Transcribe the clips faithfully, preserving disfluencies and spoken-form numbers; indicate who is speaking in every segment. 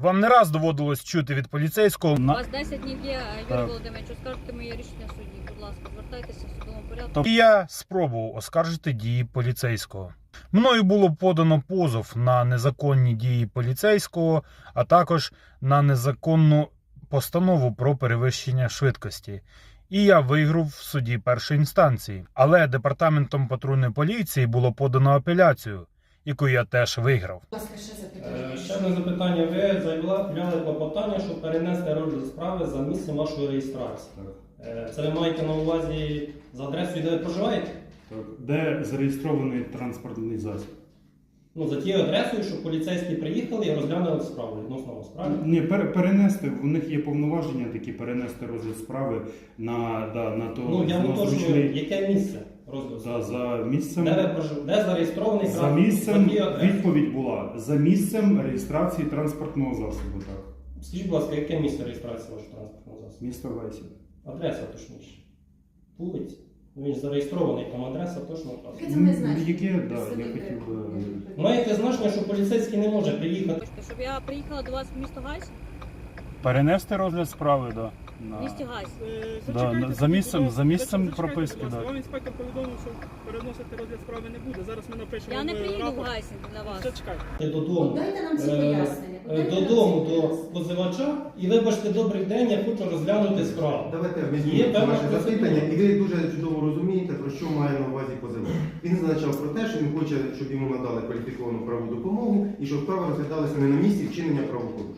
Speaker 1: Вам не раз доводилось чути від поліцейського:
Speaker 2: У вас десять днів є, Юрій Володимирович, оскаржите моє рішення судді. Будь ласка, звертайтеся в судовому порядку.
Speaker 1: І я спробував оскаржити дії поліцейського. Мною було подано позов на незаконні дії поліцейського, а також на незаконну постанову про перевищення швидкості. І я виграв в суді першої інстанції. Але департаментом патрульної поліції було подано апеляцію, яку я теж виграв.
Speaker 3: Ще одне запитання. Ви заявляли клопотання, щоб перенести розгляд справи за місцем вашої реєстрації. Так. Це ви маєте на увазі за адресою, де ви проживаєте?
Speaker 4: Так. Де зареєстрований транспортний засіб?
Speaker 3: Ну, за тією адресою, щоб поліцейські приїхали і розглянули справу відносно вас, правильно?
Speaker 4: Ні, пер, перенести, у них є повноваження такі перенести розгляд справи на, да, на то...
Speaker 3: Ну, я
Speaker 4: на
Speaker 3: уточнюю,
Speaker 4: зручний-
Speaker 3: яке місце розгляду
Speaker 4: Да,
Speaker 3: справи?
Speaker 4: за місцем...
Speaker 3: Де ви проживаєте? Де зареєстрований
Speaker 4: За
Speaker 3: транспорт?
Speaker 4: місцем,
Speaker 3: За тією адресою?
Speaker 4: відповідь була, за місцем реєстрації транспортного засобу, так.
Speaker 3: Скажіть, будь ласка, яке місце реєстрації вашого транспортного засобу?
Speaker 4: Місто Лесів.
Speaker 3: Адреса точніше. Вулиця. Ну, він ж зареєстрований, там адреса точно вказана.
Speaker 5: Яке це має значення?
Speaker 4: Яке, да, я хотів би...
Speaker 3: Маєте значення, що поліцейський не може приїхати.
Speaker 2: Хочете, щоб я приїхала до вас в місто Гайс?
Speaker 6: Перенести розгляд справи, да.
Speaker 2: В місті Гайс.
Speaker 6: Да, за місцем, за місцем прописки,
Speaker 7: да.
Speaker 6: да.
Speaker 7: Вам інспектор повідомив, що переносити розгляд справи не буде. Зараз ми напишемо
Speaker 2: Я не приїду в
Speaker 7: рапорт.
Speaker 2: Гайсінг для вас.
Speaker 7: Все, чекайте.
Speaker 3: Додому.
Speaker 5: Дайте нам ці
Speaker 3: Е,
Speaker 5: пояснення.
Speaker 3: е,
Speaker 5: Дайте нам
Speaker 3: Додому
Speaker 5: ці
Speaker 3: до
Speaker 5: пояснення.
Speaker 3: позивача і вибачте, добрий день, я хочу розглянути справу.
Speaker 8: Давайте
Speaker 3: Є
Speaker 8: візьмемо
Speaker 3: певна
Speaker 8: ваше
Speaker 3: процедура.
Speaker 8: запитання, і ви дуже чудово розумієте, про що має на увазі позивач. Він зазначав про те, що він хоче, щоб йому надали кваліфіковану правову допомогу і щоб справа розглядалася не на місці вчинення правопорушень.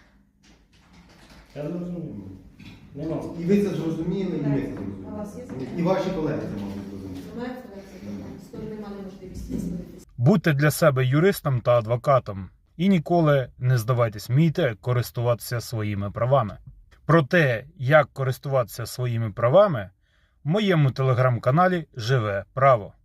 Speaker 3: Я зрозумів. Нема.
Speaker 8: І ви це зрозуміли, і ми це
Speaker 5: А у вас є
Speaker 8: зрозуміли.
Speaker 5: запитання?
Speaker 8: І ваші колеги це мали зрозуміти.
Speaker 5: Маєте запитання? Сторони мали можливість висловитися.
Speaker 1: Будьте для себе юристом та адвокатом і ніколи не здавайтесь, вмійте користуватися своїми правами. Про те, як користуватися своїми правами, в моєму телеграм-каналі «Живе право».